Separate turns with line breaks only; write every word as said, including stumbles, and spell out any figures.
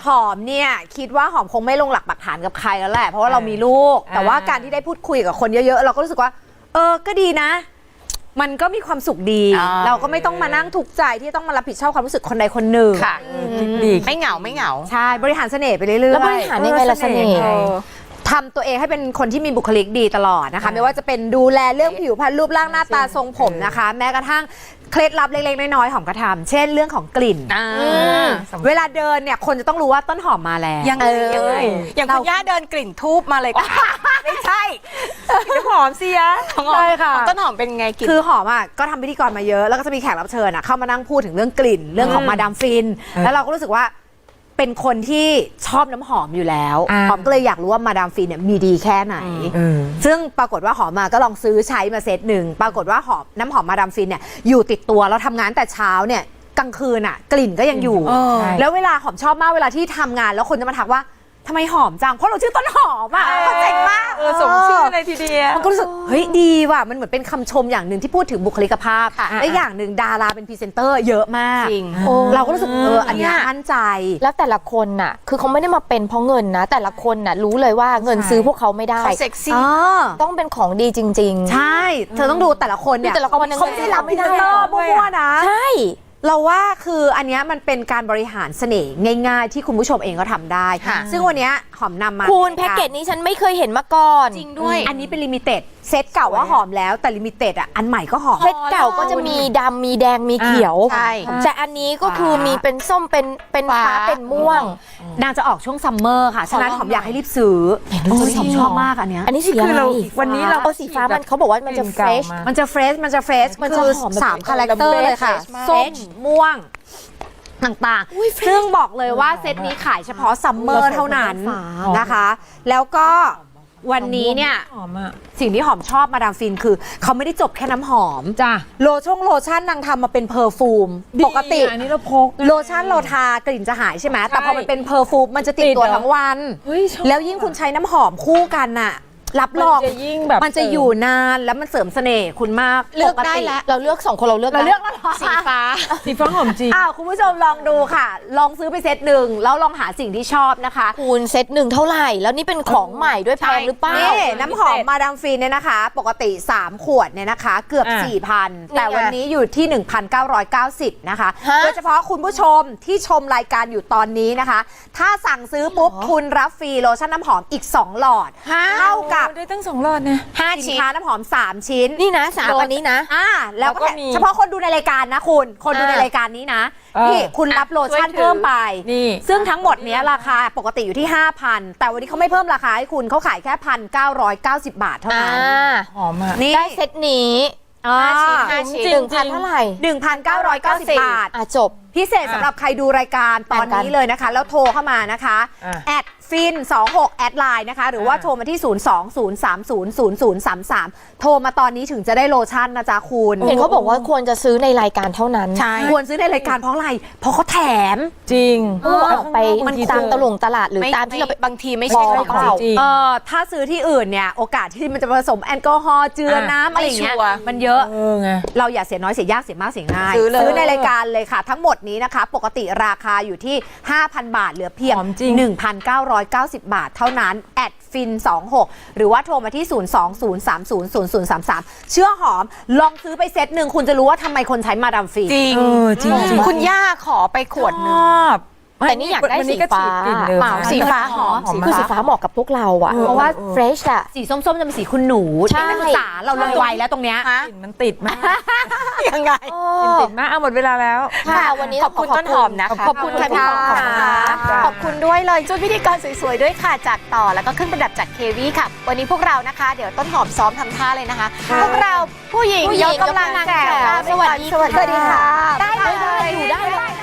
หอมเนี่ยคิดว่าหอมคงไม่ลงหลักปักฐานกับใครแล้วแหละเพราะว่าเรามีลูกแต่ว่าการที่ได้พูดคุยกับคนเยอะๆเราก็รู้สึกว่าเออก็ดีนะมันก็มีความสุขดีเราก็ไม่ต้องมานั่งทุกข์ใจที่ต้องมารับผิดชอบความรู้สึกคนใดคนหนึ่ง
ค่ะไม่เหงาไม่เหงา
ใช่บริหารเสน่ห์ไปเรื่อยๆ
แล้วบริหารยังไงล่ะเสน่ห์
ทำตัวเองให้เป็นคนที่มีบุคลิกดีตลอดนะคะไม่ว่าจะเป็นดูแลเรื่องผิวพรรณรูปร่างหน้าตาทรงผมนะคะแม้กระทั่งเคล็ดลับเล็กๆน้อยๆหอมกระทำเช่นเรื่องของกลิ่นเวลาเดินเนี่ยคนจะต้องรู้ว่าต้นหอมมาแล้ว
ยังไงยังไงอย่างคุณย่าเดินกลิ่นทูบมาเลยค่ะไม่ใช่กลิ่นหอมเสีย
ใช่ค่ะ
ต้นหอมเป็นไงกลิ่น
คือหอมอ่ะก็ทำพิธีกรมาเยอะแล้วก็จะมีแขกรับเชิญอ่ะเข้ามานั่งพูดถึงเรื่องกลิ่นเรื่องของมาดามฟินแล้วเราก็รู้สึกว่าเป็นคนที่ชอบน้ำหอมอยู่แล้วหอมก็เลยอยากรู้ว่ามาดามฟินเนี่ยมีดีแค่ไหนซึ่งปรากฏว่าหอมมาก็ลองซื้อใช้มาเซตหนึ่งปรากฏว่าหอมน้ำหอมมาดามฟินเนี่ยอยู่ติดตัวเราทำงานแต่เช้าเนี่ยกลางคืนอ่ะกลิ่นก็ยังอยู่แล้วเวลาหอมชอบมากเวลาที่ทำงานแล้วคนจะมาทักว่าทำไมหอมจังเพราะเราชื่อต้นหอมอ่ะเขาเจ๋งมาก
สมชื่อเลยทีเดียว
มันก็รู้สึกเฮ้ยดีว่ะมันเหมือนเป็นคำชมอย่างหนึ่งที่พูดถึงบุคลิกภาพและอย่างหนึ่งดาราเป็นพรีเซนเตอร์เยอะมากเราก็รู้สึกเอออันนี้มั่นใจ
แล้วแต่ละคนน่ะคือเขาไม่ได้มาเป็นเพราะเงินนะแต่ละคนน่ะรู้เลยว่าเงินซื้อพวกเขาไม่ได้
เขาเซ็กซี่
ต้องเป็นของดีจริงๆ
ใช่เธอต้องดูแต่ละคนเนี่ย
แต่ละคน
เขาไม่ได้รับพรีเซนเตอร์มั่วๆนะ
ใช่
เราว่าคืออันนี้มันเป็นการบริหารเสน่ห์ง่ายๆที่คุณผู้ชมเองก็ทำได้ซึ่งวันนี้หอมนำมา
คุณแพ็กเกจนี้ฉันไม่เคยเห็นมาก่อน
จริงด้วยอันนี้เป็นลิมิเต็ดเซตเก่าว่าหอมแล้วแต่ลิมิเต็ดอ่ะอันใหม่ก็หอม
เซตเก่าก็จะมีดำมีแดงมีเขียวแต่อันนี้ก็คือมีเป็นส้มเป็นเป็นฟ้าเป็นม่วง
นางจะออกช่วงซัมเมอร์ค่ะฉะนั้นหอมอยากให้รีบซื้อหอมชอบมากอันนี้
อันนี้สีอะไร
วันนี้เรา
เอาสีฟ้ามันเขาบอกว่ามันจะเฟรช
มันจะเฟรชมันจะเฟรชมันจะสามคาแรคเตอร์เลยค่ะส้มม่วงต่างๆซึ่งบอกเลยว่าเซตนี้ขายเฉพาะซัมเมอร์เท่านั้นนะคะแล้วก็วันนี้เนี่ยสิ่งที่หอมชอบมาดามฟินคือเขาไม่ได้จบแค่น้ำหอมจ้ะโลชั่นโลชั่นนางทำมาเป็นเพอร์ฟูมปกติ
อันนี้เราพก
โลชั่นโลทากลิ่นจะหายใช่ไหมแต่พอมันเป็นเพอร์ฟูมมันจะติดตัวทั้งวันแล้วยิ่งคุณใช้น้ำหอมคู่กันน่ะรับรองมันจะอยู่นานแล้วมันเสริมเสน่ห์คุณมาก
เลือกได้แล้วเราเลือกสองคนเราเลือก
เราเลือกแล้ว
สีฟ้า
สีฟ้าหอมจริง
อ้าวคุณผู้ชมลองดูค่ะลองซื้อไปเซตหนึ่งแล้วลองหาสิ่งที่ชอบนะคะ
คุณเซตหนึ่งเท่าไหร่แล้วนี่เป็นของใหม่ด้วยแพงหรือเปล่า
นี่น้ำหอมมาดามฟินเนี่ยนะคะปกติสามขวดเนี่ยนะคะเกือบ สี่พัน แต่วันนี้อยู่ที่ หนึ่งพันเก้าร้อยเก้าสิบ นะคะโดยเฉพาะคุณผู้ชมที่ชมรายการอยู่ตอนนี้นะคะถ้าสั่งซื้อปุ๊บคุณรับฟรีโลชั่นน้ำหอมอีกสองหลอดเท่ากับ
ได้ตั้งสองหลอด
ห้าสินค้าน้ำหอมสามชิ้น
นี่นะสามอันนี้นะ
อ่าแล้วก็เฉพาะคนดูในรายการนะคุณคนดูในรายการนี้นะนี่คุณรับโลชั่นเพิ่มไปซึ่งทั้งหมดนี้ราคาปกติอยู่ที่ ห้าพัน แต่วันนี้เขาไม่เพิ่มราคาให้คุณเขาขายแค่ หนึ่งพันเก้าร้อยเก้าสิบ บาทเท่านั้น
หอมอ่ะได้เซตนี้
ห้า
ชิ้นห้าชิ้นหนึ่งพันเท่าไหร่
หนึ่งพันเก้าร้อยเก้าสิบ บาท
อ่ะจบ
พิเศษสำหรับใครดูรายการตอนนี้เลยนะคะแล้วโทรเข้ามานะคะแอดฟินสองหกแอดไลน์นะคะหรือว่าโทรมาที่ศูนย์ สอง ศูนย์ สาม ศูนย์ ศูนย์ ศูนย์ สาม สามโทรมาตอนนี้ถึงจะได้โลชั่นนะจ๊ะคุณ
เห็นเขาบอกว่าควรจะซื้อในรายการเท่านั้น
ใช่ควรซื้อในรายการเพราะอะไรเพราะเขาแถม
จริง
ออกไปมันตามตลงตลาดหรือตามที่เรา
บางทีไม่ใช่ของ
เราเออถ้าซื้อที่อื่นเนี่ยโอกาสที่มันจะผสมแอลกอฮอล์เจือน้ำอะไรอย่างเงี้ยมันเยอะเราอย่าเสียน้อยเสียยากเสียมากเสียง่ายซื้อในรายการเลยค่ะทั้งหมดนี้นะคะปกติราคาอยู่ที่ ห้าพัน บาทเหลือเพียง หนึ่งพันเก้าร้อยเก้าสิบ บาทเท่านั้นแอดฟินสองหกหรือว่าโทรมาที่ ศูนย์ สอง ศูนย์ สาม ศูนย์ ศูนย์ ศูนย์ สาม สามเชื่อหอมลองซื้อไปเซตหนึ่งคุณจะรู้ว่าทำไมคนใช้มาดามฟิน
จริงคุณย่าขอไปขวดนึง
แต่นี่อยากได้สีฟ้า
เปล่าสีฟ้าหอม
คือสีฟ้าเหมาะกับพวกเราอ่ะเพราะว่าเฟรชอะ
สีส้มๆจะเป็นสีคุณหนูใช่ภาษาเราเลยไวแล้วตรงเนี้ย
กลิ่นมันติดมาก
ยังไง
กลิ่นติดมากเอาหมดเวลาแล้ว
ค่ะวันนี้
ขอบคุณต้นหอมนะคะ
ขอบคุณค่ะ
ขอบคุณด้วยเลยชุดพิธีกรสวยๆด้วยค่ะจากต่อแล้วก็เครื่องประดับจากเควีค่ะวันนี้พวกเรานะคะเดี๋ยวต้นหอมซ้อมทำท่าเลยนะคะพวกเราผู้หญิงยกกำลังแก่
สวัสดี
ค่ะ
ได้ได้อยู่ได้